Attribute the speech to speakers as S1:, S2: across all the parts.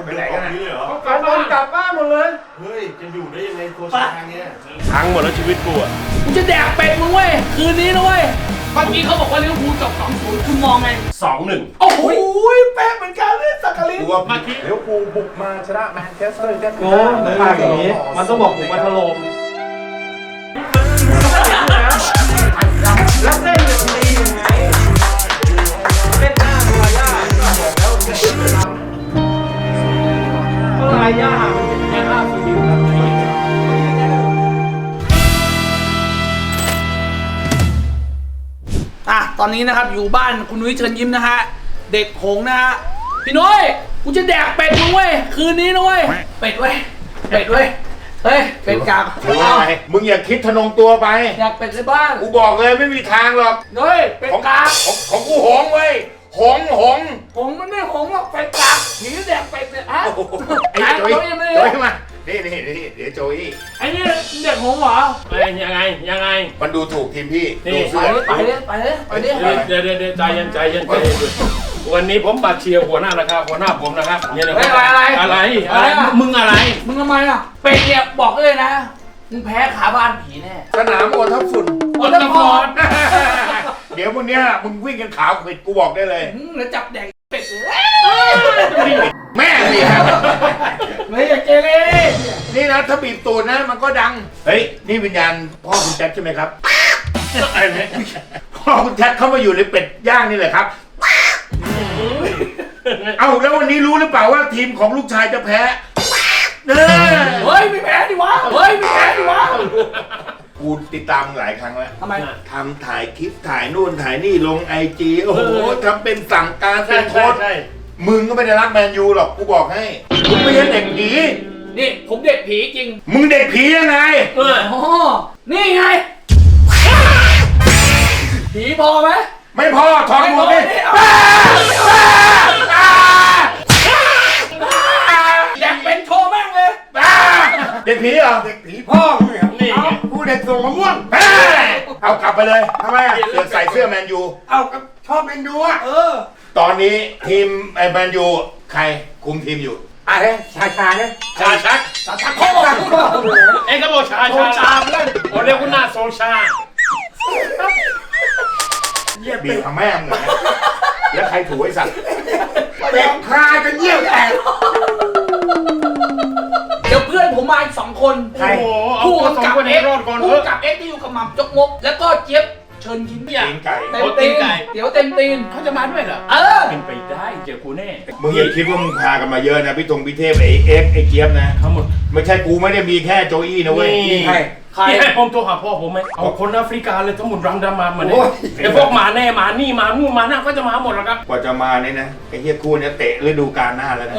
S1: คนเดินออกนี้เลยเหรอ
S2: กลับบ้านหมดเลย
S1: เฮ้ยจะอยู่ได้ยังไงโคชางเนี้ย
S3: พังหมดแล้วชีวิตกูอ่ะ
S4: กูจะแดกเป็ดมึงเว้ยคืนนี้นะเว้ยเมื่อกี้เขาบอกว่าลิเวอร์พูลจบ 2-0 คุณมองไง
S3: 2-1
S4: โอ้โหแป๊ะเหมือนกันเลยสักกะลิน
S1: กูว่าเดี๋ยวกูบุกมาชนะแมนเชสเตอร์ยูไนเต็ด
S2: โอ้มันพาอย่างนี้มันต้องบอกผมมาถล่มแล้วเส้นจะตียังไงเส้นหน้าลายย่าบอกแล้วก็ลายย่ามันเป็นแค่ห้าสิบครับ
S4: ตอนนี้นะครับอยู่บ้านคุณนุ้ยเชิญยิ้มนะฮะเด็กหงนะฮะพี่น้อยกูจะแดกเป็ดมึงเว้ยคืนนี้นะเว้ยเป็ดเว้ยเป็ดเว้ยเฮ้ยเป็ดกาก
S3: มึงอย่าคิดทะนงตัวไป
S4: อยากเป็ดในบ้าน
S3: กูบอกเลยไม่มีทางหรอก
S4: เฮ้ยเป็ดกาก
S3: ของกูหงเว้ยหง
S4: หงมันไม่หงหรอกเป็ดกากหนีแดกเป็ดเนี่ยฮะ
S3: ไอ้โจยโจยมานี่เดี๋ยวโจย
S4: ไอ้นี่เด็กหงเหรอ
S5: ยังไง
S3: มันดูถูกทีมพี่
S5: นี่
S3: ดู
S4: ไปเลย
S5: เดี๋ยวใจเย็นวันนี้ผมบัตรเชียร์หัวหน้านะครับหัวหน้าผมนะครับเนี่ยนะอะไรมึงอะไร
S4: มึงทำไมอ่ะเป็ดเนี่ยบอกเลยนะมึงแพ้ขาบ้านผีแน่
S3: สนามโอทับฝุ่น
S4: อดทนพร
S3: เดี๋ยววันเนี้ยมึงวิ่งกันขาวผิดกูบอกได้เลย
S4: แล้วจับแดกเป็ดเลย
S3: แม่นี่ครับ
S4: ไม่อยากเกเร
S3: นี่นะถ้าบีบตูดนะมันก็ดังเฮ้ยนี่วิญญาณพ่อคุณแจ็คใช่ไหมครับพ่อคุณแจ็คเข้ามาอยู่ในเป็ดย่างนี่แหละครับเอาแล้ววันนี้รู้หรือเปล่าว่าทีมของลูกชายจะแพ้
S4: เฮ้ยไม่แพ้ดิวะ
S3: กูติดตามหลายครั้งแล้ว
S4: ทำไม
S3: ทำถ่ายคลิปถ่ายนู่นถ่ายนี่ลงไอจีโอ้โหทำเป็นสั่งการเป็นโค้ชมึงก็ไม่ได้รักแมนยูหรอกกูบอกให้มึงไม่ใช่เด็กผี
S4: นี่ผมเด็กผีจริง
S3: มึงเด็กผียังไง
S4: อ๋อนี่ไงผีพอไหม
S3: ไม่พอถอดหมวกดิ
S4: แดกเป็นโชว์แม่งเลย
S3: เด็กผีเหรอ
S1: เด็กผีพ่อมึงเหรอ
S5: นี่
S1: กูเด็กส่งมะม่วง
S3: เอากลับไปเลย
S1: ทำไมอ่ะ
S3: เสือกใส่เสื้อแมนยู
S1: เอาชอบเมนยูอ่ะ
S3: ตอนนี้ทีมไอ้แมนยูใครคุมทีมอยู่
S1: อะไรชาเนี่ย
S5: ชาชัก
S4: โค้ง
S5: เอ็งก็บอกชาเล่นโอ้เรียกคุณหน้าโซชา
S3: บีบขาแม่มึงเลยแล้วใครถูไอ้สัตว์
S1: เป็ดคากันเยี่ยวแตก
S4: เดี๋ยวเพื่อนผมมาอีก2 คน
S5: โอ้โหเอา
S4: ผู้
S5: ตัวสอง
S4: กำกับ
S5: คน
S4: เอ็
S5: ให้
S4: ก
S5: รอดก่อนเถ
S4: ผู้
S5: อะ
S4: กำกับเอ็กที่อยู่กับหม่ำจกมกแล้วก็เจี๊ยบเชิญยิ้ม
S3: ตีนไก่
S4: เต็มตีนเดี๋ยวเต็มตีน
S5: เขาจะมาด้วยเหรอ เป็นไปได้เจอกูแน่
S3: มึงอย่าคิดว่ามึงพากันมาเยอะนะพี่ธงพี่เทพไอ้เอ็กไอ้เจี๊ยบนะ
S5: ทั้งหมด
S3: ไม่ใช่กูไม่ได้มีแค่โจอี้นะเว้ย
S5: นี่
S1: ใคร
S4: ใคร
S5: พี่ให้ผมโทรหาพ่อผมไหมเอาคนแอฟริกาเลยทั้งหมดรังดามาเนี่ยไอ้พวกมาแน่มานี่มานู่นมานั่นก็จะมาหมดแล้วครับ
S3: กว่าจะมาเนี่ยนะไอ้เฮียคู่เนี้ยเตะฤดูกาลหน้าแล้วนะ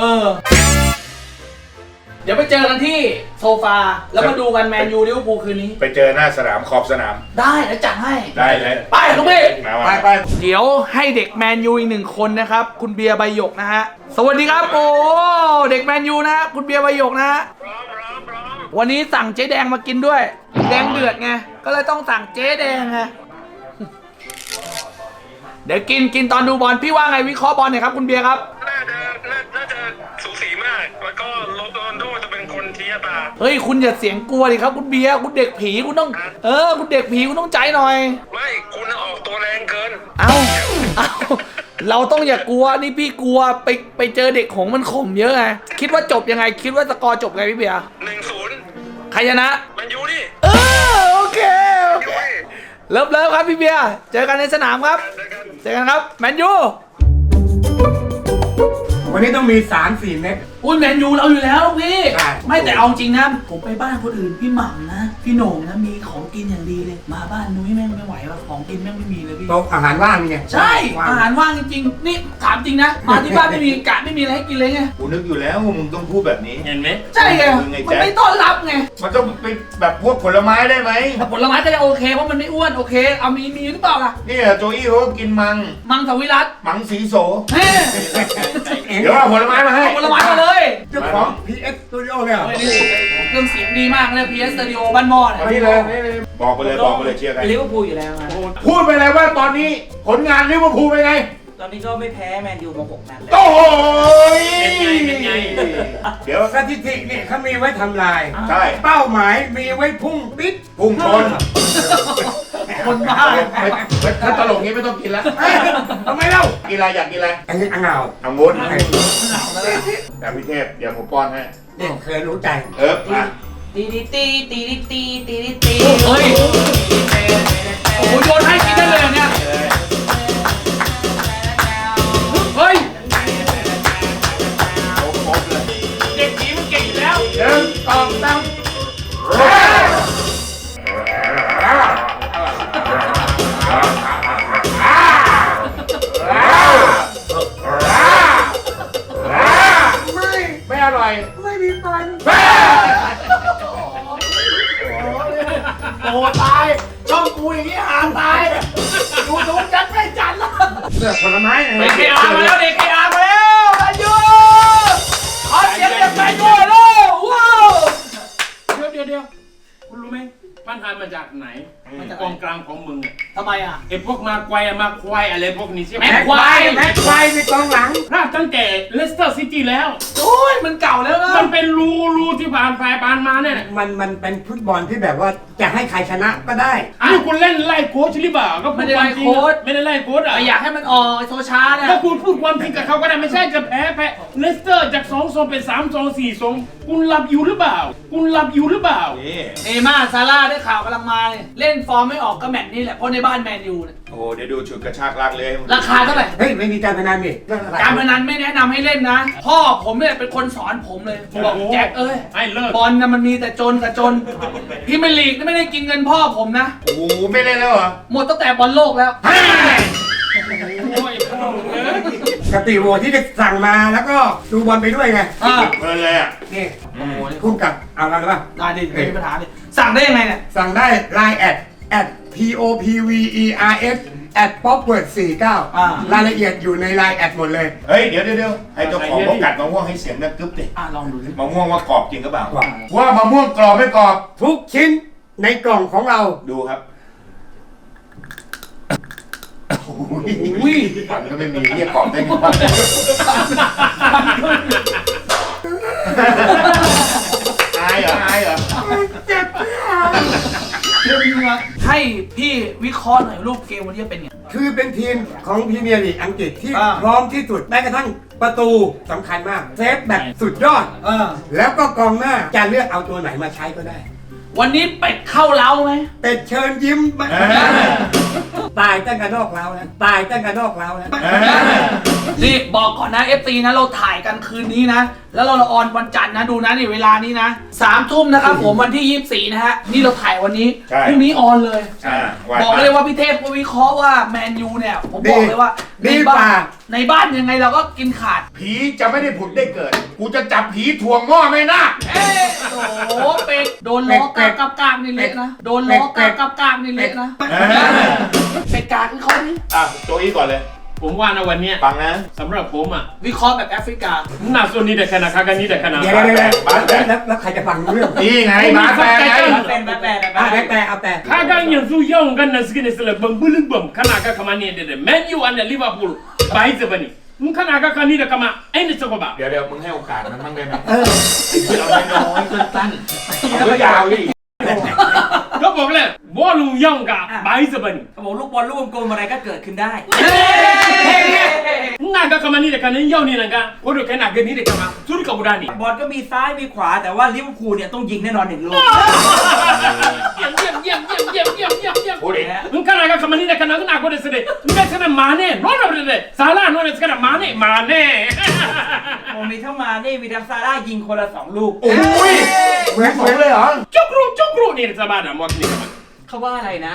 S4: เดี๋ยวไปเจอกันที่โซฟาแล้วมาดูกันแมนยูลิเวอร์พูลคืนนี้
S3: ไปเจอหน้าสนามขอบสนาม
S4: ได้แล้วจัดให้
S3: ได้เลย
S4: ไปลูกพี่
S3: ไป
S4: เดี๋ยวให้เด็กแมนยูอีก1 คนนะครับ คุณเบียร์ใบหยกนะฮะ สวัสดีครับโอ้เด็กแมนยูนะฮะคุณเบียร์ใบหยกนะฮะวันนี้สั่งเจ๊แดงมากินด้วย แดงเดือดไง ก็เลยต้องสั่งเจ๊แดงไง เดี๋ยวกินตอนดูบอลพี่ว่าไงวิเคราะห์บอลหน่อยครับคุณเบียร์ครับ
S6: น่าจะสูสีมาก แล้วก็โรนัลโดจะเป็นคนชี้ชะตา
S4: เฮ้ยคุณอย่าเสียงกลัวดิครับคุณเบียร์คุณเด็กผีคุณต้องคุณเด็กผีคุณต้องใจหน่อย
S6: ไม่คุณออกตัวแรงเกิน
S4: เอาเราต้องอย่ากลัวนี่พี่กลัวไปเจอเด็กหงมันข่มเยอะไงคิดว่าจบยังไงคิดว่าสกอร์จบไงพี่เบียร์
S6: 1-0
S4: ใครชนะ
S6: มันยูนี่
S4: โอเคเลิฟครับพี่เบียร์เจอกันในสนามครับเจอกันครับแมนยู
S1: วันนี้ต้องมี3-4 เม็ด
S4: อุ้ยแมนยูเราอยู่แล้วพี่
S1: ใช่
S4: ไม่แต่เอาจริงนะผมไปบ้านคนอื่นพี่หม่ำนะพี่โหน่งนะมีของกินอย่างดีเลยมาบ้านนุ้ยแม่งไม่ไหวว่ะของกินแม่งไม่มีเลยพี่
S1: โต๊ะอาหารว่างนี่ไง
S4: ใช่อาหารว่างจริงๆนี่ถามจริงนะมาที่บ้านไม่มีกะไม่มีอะไรให้กินเลยไง
S3: กูนึกอยู่แล้วว่ามึงต้องพูดแบบนี้
S5: เห็นไหม
S4: ใช่ไงมันไม่ต้อนรับไง
S3: มันต้องเป็นแบบพวกผลไม้ได้ไหม
S4: แต่ผลไม้ก็จะโอเคเพราะมันไม่อ้วนโอเคเอามีหรือเปล่าล่ะ
S3: เนี่ยโจอี้เขาก็กิน
S4: มังสวิรัต
S3: มังสีโส
S4: เฮ้
S3: เดี๋ยวเอาผลไม้มาให้
S4: เอาผลไม้มาเลย
S1: เจ้าของ PS Studio เนี่ย
S4: เฮ้ยนี่เครื่องเสียงดีมากเลย PS Studio บ้านหม้อเนี่ย
S1: นี่เลย
S3: บอกไปเลยเชียร์ใคร
S7: ลิเวอร์พูลอยู่แล้วนะ
S3: พูดไปเลยว่าตอนนี้ผลงานลิเวอร์พูลเป็นไง
S7: ตอนนี้ก็ไม่แพ้แมนยูมา6 นัดแล้ว
S3: โอ้ย
S5: เป็นไง
S3: เดี๋ยว
S1: สถิตินี่เขามีไว้ทำลาย
S3: ใช่
S1: เป้าหมายมีไว้พุ่งปิด
S3: พุ่งชน
S4: คนบ้า
S3: ถ้าตลกนี้ไม่ต้องกินแล้ว
S1: เอ้ยทำไมเล่า
S3: กินอะไรอยากกินอะไร
S1: อันนี้อ่างเงา
S3: เอางดแต่พี่เทพเดี๋ยวผมป้อนให้
S1: เนี่ยเคยรู้ใจ
S3: มา
S2: ตีดิตีตีดิตีตีดิตี
S4: เฮ้ยโอ้โหโยนให้กินได้เลยเหรอเนี่ยเฮ้ย
S3: ครบเลย
S5: เด็กผีมันเก่งอยู่แล้ว
S3: หนึ่งสองสามไม่อร่อย
S1: ไม่มีฟัน
S4: โอ้ตาย ช่องกูอย่างนี้หาตายดูจัดไม่จัดแล้ว
S1: เลือกผลไม้ไง
S4: เด็กเคอามาแล้วเด็กเคอามาแล้วแมนยูขอเสียงจากแมนยูเลยว้าว
S5: เดี๋ยวคุณรู้ไหมปัญหามาจากไหนกองกลางของมึง
S4: ทำไมอ่ะ
S5: ไอ้พวกมาควายมาควายอะไรพวกนี้ใช่ไหม
S4: แม็กควาย
S1: แม็กควายในกองหลัง
S5: พลาดตั้งแต่เลสเตอร์ซิตี้แล้ว
S4: โอ้ยมันเก่าแล้วนะ
S5: มันเป็นรูที่ผ่านไปมาเนี่ย
S1: มันเป็นฟุตบอลที่แบบว่าจะให้ใครชนะก็ได้
S5: อ้าวคุณเล่นไล่โค้ชหรือเปล่าก็พู
S4: ไม่
S5: ด
S4: ได้
S5: ควา
S4: ไล่
S5: มจริง
S4: โค้ช
S5: ไม่ได้ไล่โค้ชอ่ะ
S4: แต่อยากให้มันออกไอ้โซชาเนี่ย
S5: ก็คุณพูดความจริงกับเขาก็ได้ไม่ใช่จะแพ้เลสเตอร์จาก2-2เป็น3-2 4-2คุณหลับอยู่หรือเปล่า คุณหลับอยู่หรือเปล่า
S4: เนม่าซาร่าได้ข่าวกำลังมาเนี่ยเล่นฟอร์มไม่ออกก็แมตช์นี้แหละเพราะในบ้านแมนยูเนี่ย
S3: โอ้เดี๋ยวดูชุดกระชากลากเลย
S4: ราคาเท่าไหร่
S1: เฮ้ยไม่มีการพนันนี่เรื่องอะไร
S4: การพนันไม่แนะนำให้เล่นนะ พ่อผมเนี่ยเป็นคนสอนผมเลยบอกแจ็คเอ้ย
S5: ให้เลิก
S4: บอลนะมันมีแต่จนกับจนพรีเมียร์ลีกนี่ไม่ได้กินเงินพ่อผมนะ
S3: โอ้โหไม่เล่นแล้วเหรอ
S4: หมดตั้งแต่บอลโลกแล้ว
S5: โอ้ยพ่อมึงเอ้ย
S1: กติโวที่ได้สั่งมาแล้วก็ดูบอลไปด้วยไง
S3: เพลินเลยอ่ะ
S1: นี่คู่กับเอาอะไรป่ะ
S4: ได้ดิไม่มีปัญหาดิสั่งได้ยังไงเนี่ย
S1: สั่งได้ Line at POPVERS @popword 49รายละเอียดอยู่ใน Line แอดหมดเลย
S3: เฮ้ยเดี๋ยวให้เจ้าของเขากัดมะม่วงให้เสียงดังกึ๊บดิ
S4: ลองดูดิ
S3: มะม่วงว่ากรอบจริงหรือเปล่า ว่ามะม่วงกรอบไม่กรอบ
S1: ทุกชิ้นในกล่องของเรา
S3: ดูครับ
S4: อุ้ย
S3: ฝันก็ไม่มีเรียกกรอบได้ไงวะอายเหรอ
S4: ให้พี่วิเคราะห์หน่อยรูปเกมวันนี้เป็นไง
S1: คือเป็นทีมของพรีเมียร์ลีกอังกฤษที่พร้อมที่สุดแม้กระทั่งประตูสำคัญมาก เซฟแบบสุดยอด แล้วก็กองหน้าจะเลือกเอาตัวไหนมาใช้ก็ได้
S4: วันนี้เป็ดเข้าเล้าไหม
S1: เป็ดเชิญยิ้มมาตายตั้งแต่นอกแล้วนะตายตั้งแต่นอกแล้วนะ
S4: นี่บอกก่อนนะ FT นะเราถ่ายกันคืนนี้นะ แล้วเราออนวันจันทร์นะดูนะนี่เวลานี้นะ3 ทุ่มนะครับผมวันที่ 24 นะฮะนี่เราถ่ายวันนี้พรุ่งนี้ออนเลย บอกเลยว่าพี่เทพก็วิเคราะห์ว่าแมนยูเนี่ยผมบอกเลยว่าในบ้านยังไงเราก็กินขาด
S3: ผีจะไม่ได้ผุดได้เกิด กูจะจับผีถ่วงหม้อไม่น่า
S4: เอ้โอ้โหเป็ดโดนล้อกากนี่เละนะโดนล้อกากนี่เละนะเป็ดกากคือเขานี่
S3: โจอี้ก่อนเลย
S5: ผมว่านะวันเนี้ย
S3: ฟังนะ
S5: สำหรับผมอ่ะ
S4: วิเคราะห์แบบแอฟริกา
S5: หน้าโซนนี้แต่ขนาดคากันนี้แต่ขนาด
S1: เดี๋ยวแล้วใครจะฟังเรื่อง
S3: นี่ไงบาสแฟร์ไง
S2: เป็นแบบแบบ
S1: แต่เอาแต่
S5: Kaga yanzu yawan ganin suke ne sila bambulin bam kana ga kama ne da Man U and Liverpool ba yi bane in kana ga kani da kama ai ne tsako ba
S3: เดี๋ยวมึงให้โอกาสมันบ้างได้ไหม
S5: เอาน้อยๆสั้น
S3: เอายาวดิ
S5: ๆก็บอกเลยบอลลูย่องกะba yi bane
S2: เขาบอกลูกบอลลูกกลมอะไรก็เกิดขึ้นได้
S5: ina ga kama ni da kanin yau ne nan ga ko da kana gani da kama su ka guda ne
S2: บอลก็มีซ้ายมีขวาแต่ว่าลิเวอร์พูลเนี่ยต้องยิงแน่นอน1 ลูก
S5: ยี่ยม
S3: พูดดิ
S5: in kana ga kama ni da kana ina ko da sede in ga sana mane no da sala no da kana mane
S2: ผมมีทั้งมานี่มีทั้งซาร่ายิงคนละ2 ลูก
S3: โอ้ยเหมือนเลยเหรอ
S5: chokru ne da sabada mo ni kama
S2: เขาว่าอะไรนะ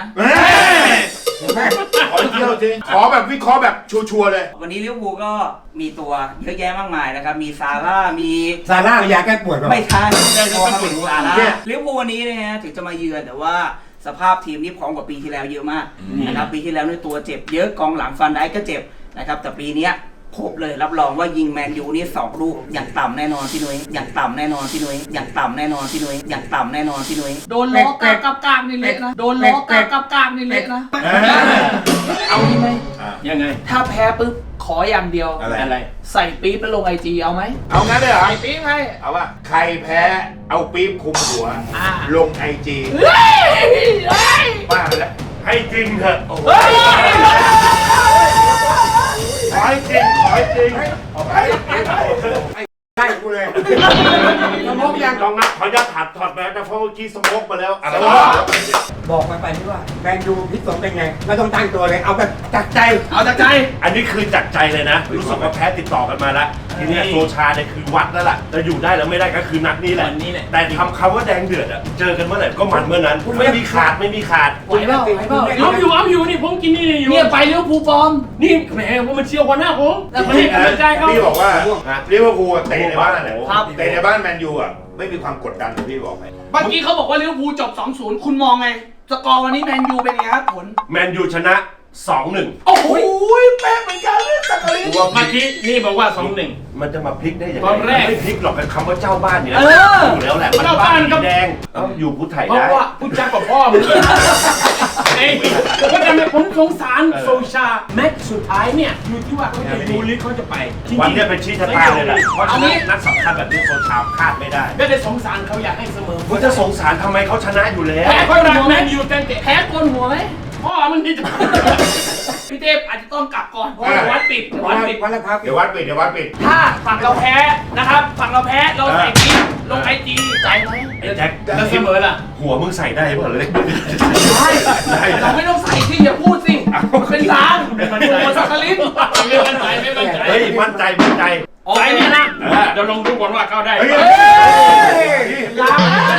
S3: ขอเที่ยวสิขอแบบวิเคราะห์แบบชัวร์เลย
S2: วันนี้ลิเวอร์พูลก็มีตัวเยอะแยะมากมายนะครับ มีซาร่า มี
S1: ซาร่ายาแก้ปวดป่ะ
S2: ไม่ใช่พอมาถึงซาร่าลิเวอร์พูลวันนี้นะฮะถึงจะมาเยือนแต่ว่าสภาพทีมนี่พร้อมกว่าปีที่แล้วเยอะมากนะครับปีที่แล้วเนี่ยตัวเจ็บเยอะกองหลังฟันได้ก็เจ็บนะครับแต่ปีเนี้ยครบเลยรับรองว่ายิงแมนยูนี่2 ลูกอย่างต่ำแน่นอนพี่นุ้ยอย่างต่ำแน่นอนพี่นุ้ยอย่างต่ำแน่นอนพี่นุ้ยอย่างต่ำแน่นอนพี่นุ้ย
S4: โดนล้อกากนี่เละนะโดนล้อกากนี่เละนะเอาดีไหม
S5: ยังไง
S4: ถ้าแพ้ปุ๊บขออย่างเดียว
S5: อะไร
S4: ใส่ปี๊บแล้วลงไอจีเอาไหม
S3: เอางั้นเลยเหรอ
S4: ใส่ปี๊บให้
S3: เอาว่าใครแพ้เอาปี๊บคุมหัว ลงไอจี
S4: เฮ้ยเฮ้ย
S3: บ้าแล้วให้จริงเถอะ
S4: เฮ้ย
S3: ขอให้จริงขอให้จริง
S1: ใช่กูเลยสมองยัง
S3: ลองนะขออนุญาตถอดแมสนะเพราะเมื่อกี้สโมกมาแล้วอะไร
S1: บอกไปที่ว่าแมนยูพิษสงเป็นไงไม่ต้องตั้งตัวเลยเอาแบบจากใจ
S4: เอาจากใจ
S3: อันนี้คือจากใจเลยนะ รู้สึกว่าแพ้ติดต่อกันมาแล้วทีนี้โซชาเนี่ยคือวัดแล้วล่ะจะอยู่ได้แล้วไม่ได้ก็คือนัดนี้แหละ
S5: วันนี้แหละ
S3: แต่ทำคำว่าแดงเดือดอะเจอกันเมื่อไหร่ก็มันเมื่อนั้นไม่มีขาดไม่มีขาด
S4: ไหวเปล่าไหวเปล่า
S5: เอาอยู่นี่ผมกินนี่อยู่
S4: เนี่ยไปเลี้ยวภูลฟอร์ม
S5: นี่แหมผมมันเชียวกว่าหน้าผม
S4: แล้ว
S5: ไม่ให้กำลังใจเขา
S3: พี่บอกว่าลิเวอร์พูลเตะในบ้านเนี่ย
S4: ครับ
S3: เตะในบ้านแมนยูอะไม่มีความกดดันเลยพี่บอกไป
S4: เมื่อกี้เขาบอกว่าลิเวอร์พูลจบ 2-0 คุณมองไง สกอร์วันนี้แมนยูเป็นไงครับผล
S3: แมนยูชนะ 2-1
S4: โอ้โหแป๊ะเหมือนกันเลยสักกะลิน
S3: ตัว
S5: เมื่อกี้นี่บอกว่า2-1
S3: มันจะมาพลิกได้ยังไง
S5: ตอนแรก
S3: ไม่พลิกหรอกกับคำว่าเจ้าบ้านเนี่ย
S4: เออ
S3: อยู่แล้วแหละมัน
S5: เจ้าบ้านก็
S3: สีแดงต้องอยู่ผู้ไทย
S5: เพราะ
S3: ได้
S5: ว่าพูดจากับพ่อมึงเอ้ยก็ทำให้ผมสงสารโซชาแม็กซ์สุดท้ายเนี่ยอยู่ที่ว่าเขาจะดูหรือเขาจะไปจริงๆ
S3: วันเนี้ยเป็นชี้ชะตาเลยแหละเพราะฉะนั้นนัดสำคัญแบบนี้โซชาพลาดไม่ได้
S5: ไม่ได้สงสารเขาอยากให้เสมอ
S3: คุณจะสงสารทำไมเขาชนะอยู่แล้ว
S5: แพ้ก็รักแมนยูตั้งแต่
S4: แพ้โกนหัวไหม
S5: พ่อมันนี่จะ
S4: พี่เทพอาจจะต้องกลับก่อนเพราะว่าเดี๋ยววัดปิดเดี๋ยววัดปิด
S1: วันละครับ
S3: เดี๋ยววัดปิดเดี๋ยววัดปิด
S4: ถ้าฝั่งเราแพ้นะครับ ฝั่งเราแพ้เราใส่ปี๊บลงไอจีใจไหม
S3: ไอ้แจ็ค
S5: แล้วเสมอล่ะ
S3: หัวมึงใส่ได้เปล่าเลย
S4: ใช่เราไม่ต้องใส่สิอย่าพูดสิเป็นล้างโอ้สักกะลิน
S5: ไม่มั่นใจไม่มั่นใจ
S3: เฮ้ยมั่นใจมั่นใจ
S5: ใจเนี่ยนะเดี๋ยวลองดูก่อนว่าเข้าได้
S3: เฮ้ย
S4: ล้าง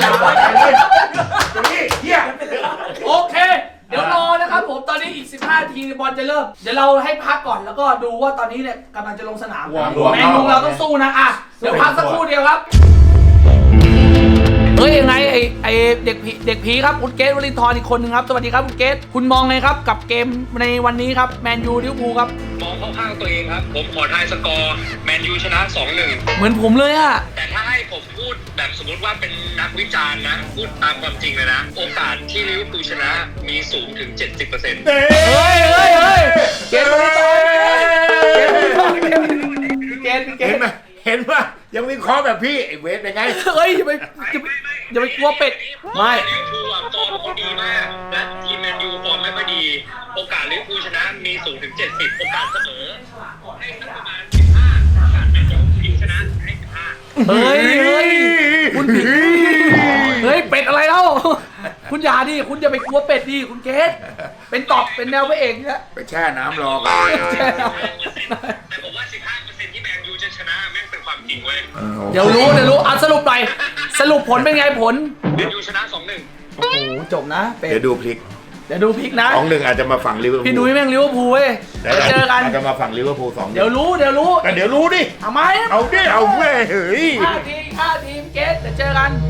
S3: นี่เฮีย
S4: โอเค เดี๋ยวรอนะครับผมตอนนี้อีก15นาทีบอลจะเริ่มเดี๋ยวเราให้พักก่อนแล้วก็ดูว่าตอนนี้เนี่ยกำลังจะลงสนามแมนยูเราต้องสู้นะอ่ะเดี๋ยวพักสักครู่เดียวครับเฮ้ยยังไงไอเด็กผีครับคุณเกตวลินทร์อีกคนหนึ่งครับสวัสดีครับคุณเกตคุณมองไงครับกับเกมในวันนี้ครับแมนยูลิเวอร์พูลครับ
S6: มองเข้าข้างตัวเองครับ ผมขอทายสกอร์แมนยูชนะ 2-1
S4: เหมือนผมเลยอะ
S6: แต่ถ้าให้ผมพูดแบบสมมติว่าเป็นนักวิจารณ์นะ พูดตามความจริงเลยนะ โอกาสที่ลิเวอร์พูลชนะมีสูงถึง 70%
S4: เฮ้ยเกตวลินทร์เกต
S3: เห็นไหมเห็นว่ายังมีข้อแบบพี่ไอ้เวทเป็นไง
S4: เฮ้ยอย่าไปกลัวเป็ดไม่
S6: ลิเวอร์พูลอะฟอร์มเขาดีมาก และทีมแมนยูฟอร์มไม่ค่อยดี โอกาสลิเวอร์พูลชนะมีสูงถึง 70 โอกาสเสมอให้สักประมาณ 15 โอกาสแมนยูพลิกชนะให้ 15
S4: เฮ้ยคุณผิดเฮ้ยเป็ดอะไรเล่าคุณอย่าดิคุณอย่าไปกลัวเป็ดดิคุณเกตเป็นตอบเป็นแนวพระเอกเนี่ย
S3: ไปแช่น้ำรอกัน
S6: แต่ผมว่า 15% ที่แมนยูจะชนะแม่งเป็นความจริงเว้ย
S4: เดี๋ยวรู้อ่ะสรุปหน่อยสรุปผลเป็นไงผล
S6: แมนยูชนะ 2-1
S4: โอ้โหจบนะเป็ด
S3: เดี๋ยวดูพลิก
S4: เดี๋ยวดูพลิกนะ
S3: 2-1อาจจะมาฝั่งลิเวอร์พูล
S4: พี่นุ้ยแม่งลิเวอร์พูลเว้ยเดี๋ยวเจอกัน
S3: อาจจะมาฝั่งลิเวอร์พูล2-1
S4: เดี๋ยวรู้
S3: ก็เดี๋ยวรู้ดิ
S4: ทำไม
S3: เอาดิเอาเว้ยเฮ้ย
S4: 5 ทีมเกตเดี๋ยวเจอกัน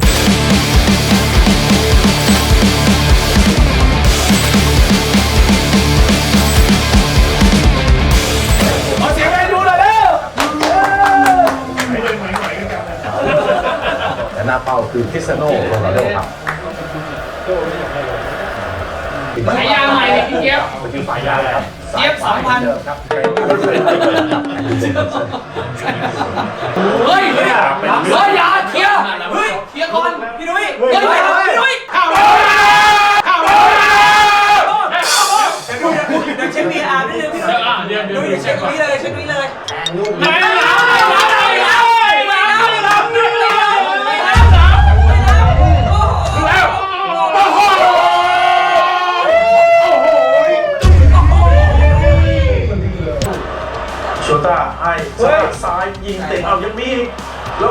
S4: ขอเสียงให้ดูหน่อยเร็ว
S7: แต่หน้าเป้าคือคริสเตียโน่โรนัลโดครับ
S4: สายยางใหม่เลยพี่เจี๊ยบ
S7: มันคือสายยางครับ
S4: เจี๊ยบ2,000
S7: ครับ
S4: เฮ้ยอย่าเคลียร์เคลียร์ก่อนพี่นุ้ยพี่นุ้ยเข้าเดี๋ยวเช็คมีอาร์ได้เลยพี่นุ้ย
S5: เดี๋ยว
S4: เช็คนี้เลย
S7: โชต้าให้ซ้ายยิงเตะเอายังมีแล้ว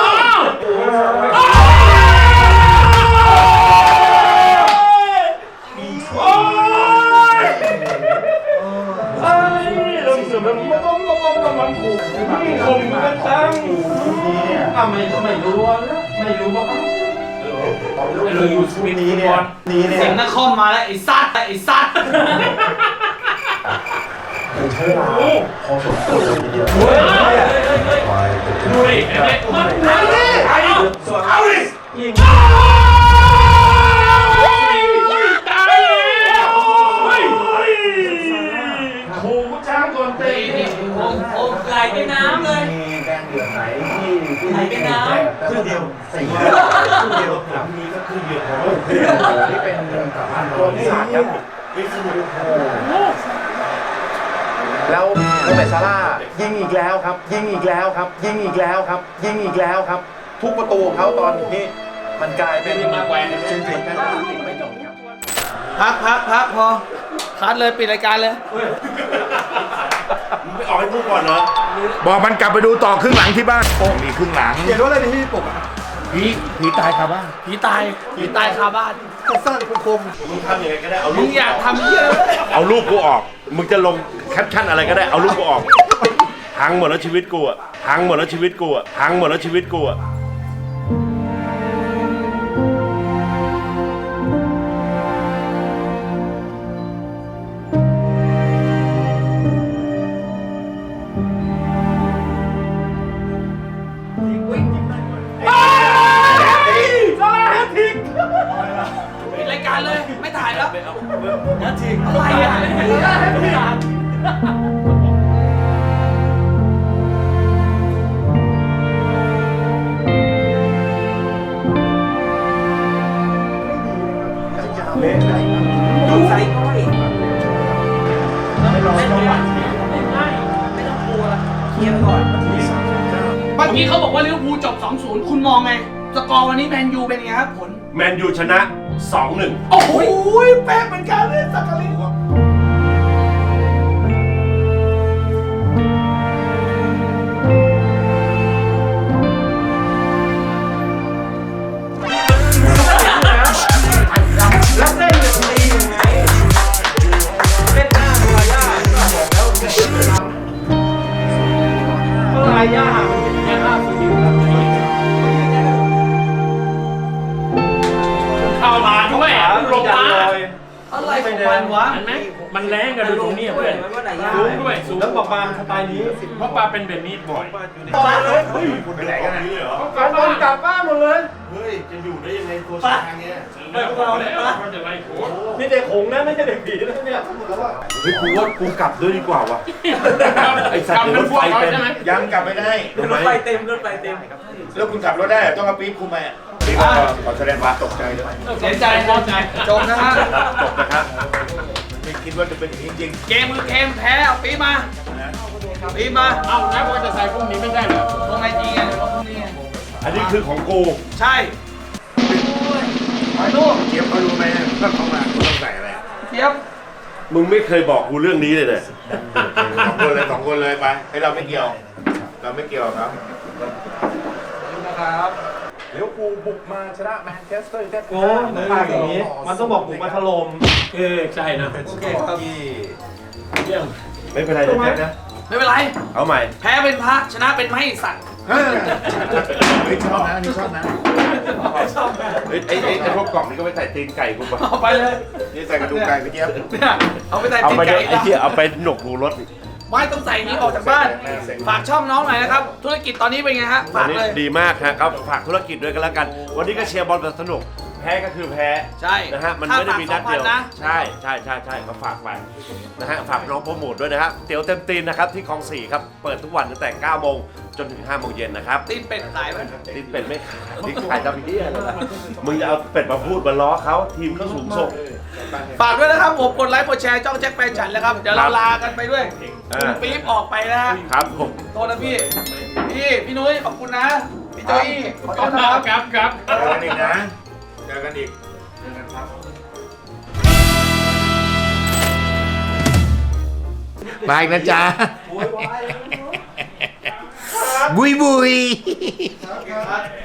S7: นี้เนี่ย
S4: เสียงนักคอมมาแล้วไอ้สัตว์
S7: ใช้เวลาพอสมควรเลยทีเดียว
S5: ดูดิมันเอาดิยิงตายแล้ว
S7: ไหนเป็นน้ำครึ่งเดียวครึ่งเดียวมีก็ครึ่งเดียวนี่เป็นตัวที่สามครับวิสนุโอ้
S8: แล้วโมเมดซาร่าห์ยิงอีกแล้วครับ ยิงอีกแล้วครับ ยิงอีกแล้วครับ ยิงอีกแล้วครับ ทุกประตูของเขาตอนนี้มันกลายเป็น
S5: มาแกวน
S8: จริงๆ
S4: พักพอคัดเลยปิดรายการเลย
S3: มึงไม่ออกให้พูดก่อนเหรอ บอกมันกลับไปดูต่อครึ่งหลังที่บ้านมีครึ่งหลัง
S1: เขียนว่าอะไรในที่ปกอ่ะ
S3: ผีตายคาบ้าน
S4: ผีตายคาบ้าน
S1: สั้นๆคม
S3: มึงทำยังไงก็ได้เอา
S4: มึ
S3: รู
S4: ง
S3: ป
S4: อยากทำเยอะ
S3: เอารูปกูออก มึงจะลงแคปชั่นอะไรก็ได้เอารูปกูออกพังหมดแล้วชีวิตกูอะพังหมดแล้วชีวิตกูอะพังหมดแล้วชีวิตกูอะ
S4: ปิดรายการเลยไม่ถ่ายแล้วอะไรอ่ะ
S2: ใส่ก้อย
S7: ไม่รอจังหวะ
S2: ไม่ต้องกลัวเคลียร์ไปก่อน
S4: เมื่อกี้เขาบอกว่าลิเวอร์พูลจบ 2-0 คุณมองไง สกอร์วันนี้แมนยูเป็นไงครับผล
S3: แมนยูชนะ 2-1
S4: โอ้โหแป๊ะเหมือนกันเลยสักกะลิ
S7: แล้วเล่นแบบนี้ยังไงเล่นหน้าลายาบอกแล้วก็ลายามันเป็นแค่ภาพสกิลครับ
S5: เข้ามาด้วยลงมา
S4: อะไรของมันวะ
S5: เห็นไหมมันแรงกันดูตรงนี้เพื่อนสูงด้วยสูง
S7: แล้วบอกมาสไตล์นี้
S5: เพราะปลาเป็นแบบนี้บ่อย
S7: ต่อเลยเฮ้ย
S3: ไปไหนกันนี่เหรอ
S7: กลับบ้านกลับบ้านหมดเลย
S3: เฮ้ย จะอยู่ได้ยังไงตัวช้างเนี่ย
S5: ไม่พวกเราเนี่ยเขาจะไล่โค้ด
S7: นี่เด็กหงนะไม่ใช่เด็กผีนะเนี่ย
S3: เฮ้ยกูว่ากูกลับด้วยดีกว่าวะไอ้สัตว์
S5: ทำเป็นพวกเขาใช่ไหม
S3: ยังกลับไม่ได้ทำไม
S2: รถไฟเต็ม
S3: แล้วคุณขับรถได้ต้องเอาปี๊บคุณมาปี๊บขอแสดงความตกใจด้วย
S4: เสียใจพอใจจบนะฮะ
S3: จบนะครับไม่คิดว่าจะเป็นอย่างนี้จริง
S4: เกมคือเกมแพ้เอาปีมาปีมา
S5: เอ้าแล้วว่าจะใส่พวกนี้ไม่ได้เหรอ
S4: ลงไอจีไงลงพวกนี้ไง
S3: อันนี้คือของกู
S4: ใช่ไปลูก
S3: เจี๊ยบเขารู้ไหมว่าเขามาคุณต้องใส่อะไร
S4: เทียบ
S3: มึงไม่เคยบอกกูเรื่องนี้เลยสองคนเลยไปให้เราไม่เกี่ยว เราไม่เกี่ยวครับ
S4: นะครับ
S8: เลี้ยวภูลบุกมาชนะแมนเชสเตอร์ยูไนเต็ด
S7: โอ้ภาคอย่างนี้ มันต้องบอกผมมาถล่ม
S5: ใช่นะ
S4: โอเคครับ
S5: เยี่ยม
S3: ไม่เป็นไรนะแจ๊คนะ
S4: ไม่เป็นไร
S3: เอาใหม่
S4: แพ้เป็นพระชนะเป็นไม่สัตว์
S3: เฮ้ยชอบนะอันนี้ชอบนะเฮ้ยไอ้พวกกล่องนี้ก็ไปใส่ตีนไก่กูป่ะ
S4: เอาไปเลย
S3: นี่ใส่กระดูกไก่ไปเจี๊ยบ
S4: เนี่ยเอาไปใส่
S3: เอา
S4: ตีน
S3: ไป
S4: ไก่
S3: ไอ้เจี๊ยเอาไปหนกหูรถ
S4: ไม่ต้องใส่นี้ออกจากบ้าน ฝากช่องน้องหน่อยนะครับ ธุรกิจตอนนี้เป็นไงฮะ
S3: ตอ
S4: ฝาน ก
S3: นี้
S4: เลย
S3: ดีมากฮะครับฝากธุรกิจด้วยกันแล้วกัน วันนี้ก็เชียร์บอลแบบสนุก แพ้ก็คือแพ้
S4: ใช่
S3: นะฮะมันไม่ได้มีนัดเดียว
S4: ค่าฝาก 2,000นะ
S3: ใช่ก็ฝากไปนะฮะฝากน้องโปรโมทด้วยนะฮะเตี๋ยวเต็มตีนนะครับที่คลอง 4ครับเปิดทุกวันตั้งแต่ 9 โมงจนถึง 5 โมงเย็นนะครับ
S4: ตีนเป็ดขายไหม
S3: ตีนเป็ดไม่ขายนี่ขายตำเหี้ยเลยนะมึงจะเอาเป็ดมาพูดมาล้อเขาทีมเขาสูงส่ง
S4: ฝากด้วยนะครับผมกดไลค์กดแชร์จ้องแจ็คแฟนฉันแล้วครับ เดี๋ยวเรา
S3: ครับ
S4: ลากันไปด้วย
S3: อ่า
S4: คุณปี๊บออกไปนะฮะ
S3: ครับผม
S4: โทษนะพี่ พี่นุ้ยขอบคุณนะ พี่โจอี้ขอโทษนะครับ
S5: ครับ
S3: เจอกันอีกนะเจอกันอีกมาอีกนะจ๊ะบุย